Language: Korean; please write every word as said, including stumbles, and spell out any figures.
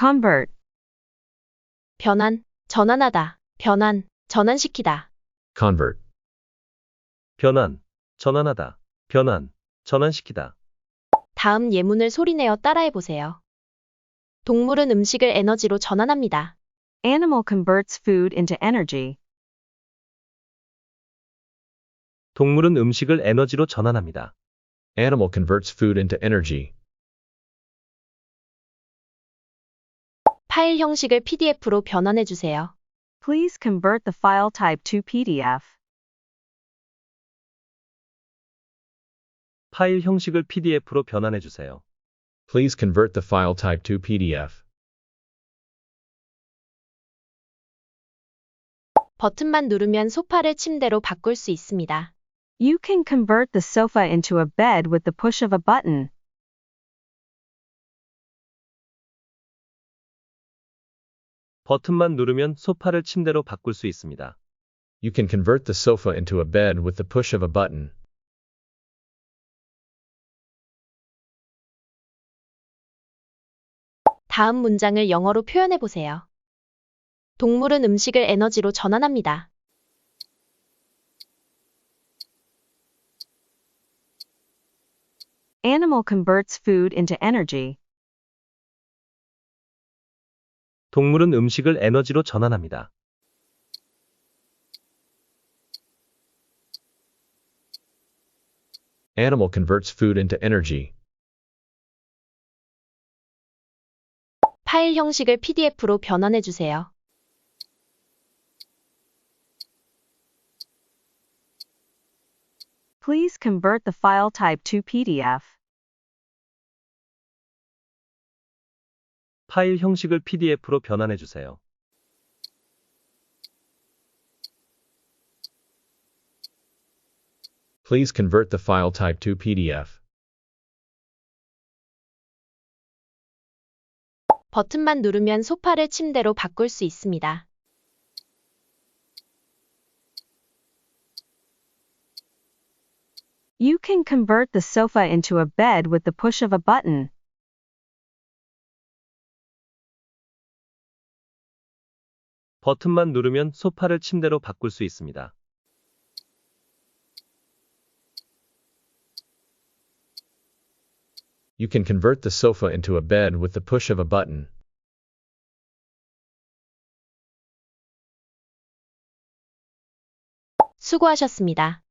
convert, 변환, 전환하다, 변환, 전환시키다. convert, 변환, 전환하다, 변환, 전환시키다. 다음 예문을 소리내어 따라해보세요. 동물은 음식을 에너지로 전환합니다. animal converts food into energy. 동물은 음식을 에너지로 전환합니다. animal converts food into energy. 파일 형식을 피디에프로 변환해주세요. Please convert the file type to P D F. 파일 형식을 피디에프로 변환해 주세요. Please convert the file type to P D F. 버튼만 누르면 소파를 침대로 바꿀 수 있습니다. You can convert the sofa into a bed with the push of a button. 버튼만 누르면 소파를 침대로 바꿀 수 있습니다. You can convert the sofa into a bed with the push of a button. 다음 문장을 영어로 표현해보세요. 동물은 음식을 에너지로 전환합니다. Animal converts food into energy. 동물은 음식을 에너지로 전환합니다. Animal converts food into energy. 파일 형식을 피디에프로 변환해주세요. Please convert the file type to P D F. 파일 형식을 피디에프로 변환해 주세요. Please convert the file type to P D F. 버튼만 누르면 소파를 침대로 바꿀 수 있습니다. You can convert the sofa into a bed with the push of a button. 버튼만 누르면 소파를 침대로 바꿀 수 있습니다. You can convert the sofa into a bed with the push of a button. 수고하셨습니다.